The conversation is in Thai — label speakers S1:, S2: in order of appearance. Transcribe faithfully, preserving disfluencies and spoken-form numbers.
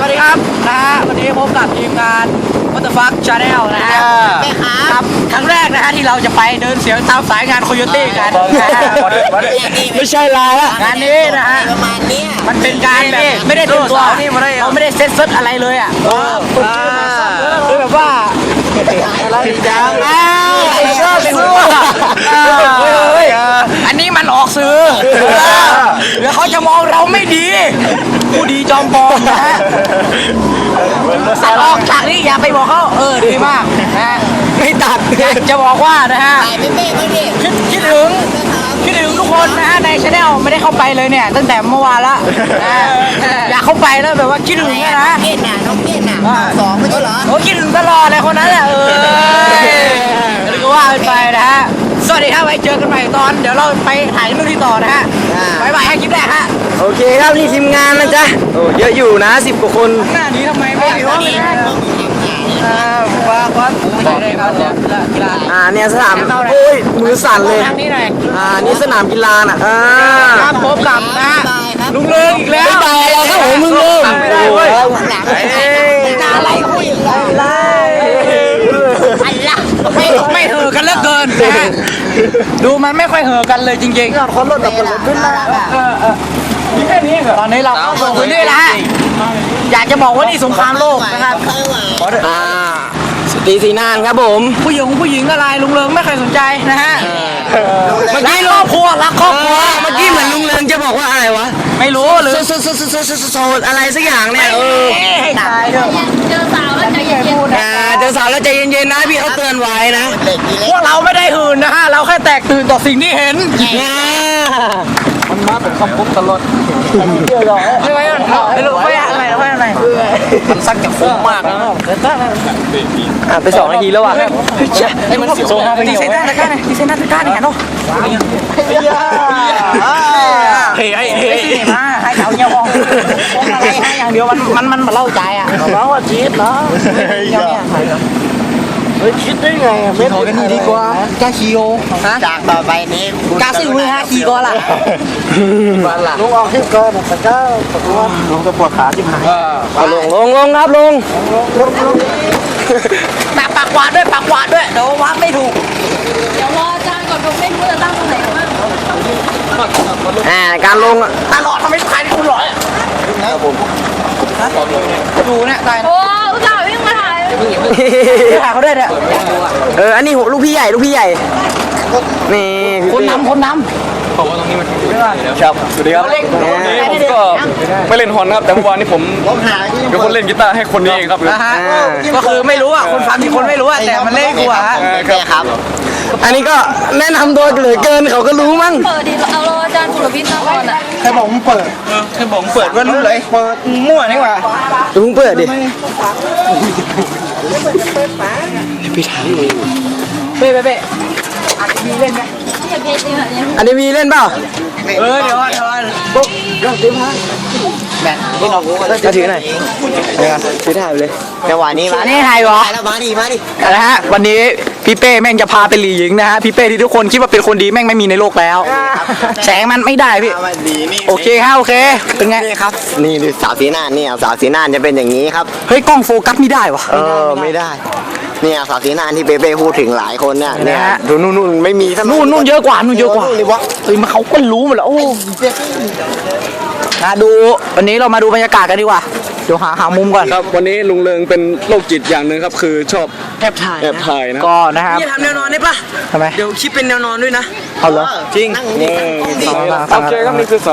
S1: ดีครับนะฮะวันนี้พบกับทีมงาน What the fuck Channel นะฮะครับครั้งแรกนะฮะที่เราจะไปเดินเสียงตามสายงานโคโยตี้กันไม่ใช่ลายละงานนี้นะฮะมันเป็นการแบบไม่ได้เตรียมตัวเราไม่ได้เซ็ตเซตอะไรเลยอ่ะคือแบบว่าอะไรจังอ้าวชอบสู้อันนี้มันออกซื้อแล้วเขาจะมองเราไม่ดีผู้ดีจอมปลอมนะฮะตัดออกจากนี้อย่าไปบอกเขาเออดีมากนะไม่ตัดจะบอกว่านะฮะคิดคิดถึงคิดถึงทุกคนนะฮะในชาแนลไม่ได้เข้าไปเลยเนี่ยตั้งแต่เมื่อวานละอยากเข้าไปแล้วแบบว่าคิดถึงนะฮะ
S2: เกตน่ะน้องเกตน่ะสองไม่ใช่เหรอ
S1: โอ้คิดถึงตลอดเลยคนนั้นแหละเออหรือว่าไปนะฮะสวัสดีครับไว้เจอกันใหม่ตอนเดี๋ยวเราไปถ่ายนู่นที่ต่อนะฮะบายบายให้คลิปแรกฮะ
S3: โอเคครับนี่ทีมงานนะจ๊ะโอ้เยอะอยู่นะสิบกว่าคน
S1: หน้านี้ทำไมไม่ถือว่าเป็นอ่าว่าว่าไม่ได้ครับกีฬา
S3: อ่าเนี่ยสนามโอ้ยมือสั่นเลยอ่านี่สนามกีฬาน่ะอ่า
S1: ครับพบกับนะลุงเลิงอีกแล้ว
S3: ไปเราครับผมมึงเลิง
S1: ไม่ได้เว้ยอะไรคุยอะไรไม่ไม่เห่อกันเหลือเกินนะฮะดูมันไม่ค่อยเห่อกันเลยจริงๆคนรถแบบคนรถขึ้นมาแค่นี้ตอนนี้เราเข้าสู่พื้นที่แล้วฮะอยากจะบอกว่านี่สงครามโลกนะครับ
S3: อ่าสตีสีนานครับผม
S1: ผู้หญิงผู้หญิงอะไรลุงเลิงไม่เคยสนใจนะฮะเมื่อกี้ครอบครัวรักครอบครัว
S3: เมื่อกี้เหมือนลุงเลิงจะบอกว่าอะไรวะ
S1: ไม่รู้หรือ
S3: โซโซโซโซโซโซอะไรสักอย่างเนี่ยเออ
S2: เจอสาวแล้วใจเย็นๆนะ
S3: เจอสาวแล้วใจเย็นๆนะพี่เขาเตือนไว้นะ
S1: พวกเราไม่ได้หื่นนะฮะเราแค่แตกตื่นต่อสิ่งที่เห็นมันมาเป็นคำพูดตลอดไม่ไหวไม่รู้ไม่อะไรไม่อะไรมันซักจากฟุ้งมากนะ
S3: อ่ะไปสองนาทีแล้วว่ะ
S1: ไอ้มันสิบโซ่ตีเซนต์ตะก้าเนี่ยตีเซนต์ตะก้าเนี่ยเนาะเฮ้ยเฮ้ยเฮ้ยมาให้เขาเงี้ยมองอะไรให้อย่างเดียวมันมันมันมาเล่าใจอ่ะเราว่าจี๊ดเนาะเฮ้ยคิดได้ไงไม่ขอกันนี่ดีกว่ากาคิโอฮะ
S2: จากต่อไปนี้
S1: กาซิวฮะคีก่อนล่ะ
S2: ลุงออกที่ก่อนแต่ก็ตกลงลุงจะปวดขาที่หาย
S3: ลงลงลงครับลง
S1: ปากปากวาดด้วยปากวาดด้วยเดี๋ยววาดไม่ถูก
S2: เดี๋ยวรออาจารย์ก่อนผมไม่รู้จะตั้งตรงไหนบ้าง
S3: อ่าการลง
S1: ตลอดทำไมถ่ายคุณหรอครับผมดูเนี่ยตาย
S2: โอ้อุตส่าห์วิ่งมาถ่าย
S1: ถ่ายเขาด้วยเนี่ย
S3: เอออันนี้ลูกพี่ใหญ่ลูกพี่ใหญ่นี่
S1: คนนำคนนำ
S4: ผมว่าตรงนี้มันครับสวัสดีครับวันนี้ผมก็ไม่เล่นฮอนครับแต่เมื่อวานนี้ผมเป็นคนเล่นกีตาร์ให้คนนี้เองครับ
S1: นะฮะก็คือไม่รู้อ่ะคนฟังที่คนไม่รู้อ่ะแต่มันเล่นกูอ่ะ
S3: ครับอันนี้ก็แนะนำตัวเหลือเกินเขาก็รู้มั้ง
S2: เปิดดิเอาเราอาจารย์สุรวิทย์มาก่อนอ่ะ
S1: ให้ผมเปิดให้ผมเปิดว่ารู้เลยเปิดมั่วนี่หว่า
S3: ลุงเปิดดิพี่ถาม
S1: เป๊ะเป๊ะอาจจะมีเล่นไหม
S3: อันนี้มีเล่นเปล่า
S1: เออเดี๋ยวเดี๋ยวปุ๊บเรื่องติ๊มฮะแบบนี่น้อง
S3: ก็ถือหน่อยถือถ่ายไปเลยจังหวะนี้
S1: มานี่ถ่ายเหรอ
S3: แล้วมาดิมาดิ
S1: นะฮะวันนี้พี่เป้แม่งจะพาไปหลีหญิงนะฮะพี่เป้ที่ทุกคนคิดว่าเป็นคนดีแม่งไม่มีในโลกแล้วแสงมันไม่ได้พี่โอเคฮะโอเคเป็นไง
S3: ครับนี่ดูสาวสีน่านนี่สาวสีน่านจะเป็นอย่างนี้ครับ
S1: เฮ้ยกล้องโฟกัสไม่ได้วะ
S3: เออไม่ได้เนี่ยสาวสีน่านที่เป๊ะๆพูดถึงหลายคนเนี่ยเนี่ยดูนู่นนู่นไม่มี
S1: นู่นนู่นเยอะกว่านู่นเยอะกว่าเฮ้ยมันเขาก็รู้หมดแล้วโอ้มาดูวันนี้เรามาดูบรรยากาศกันดีกว่าเดี๋ยวหาหามุมก่อน
S4: ครับวันนี้ลุงเลิงเป็นโรคจิตอย่างหนึ่งครับคือชอบ
S1: แอบถ่าย
S4: แอบถ่ายนะ
S1: ก็นะครับ
S3: นี่ทำแนวนอนได้ปะ
S1: ทำไม
S3: เดี๋ยวคิดเป็นแนวนอนด้วยนะ
S1: เอาเหรอ
S3: จริง
S4: โอเคครับนี่คือ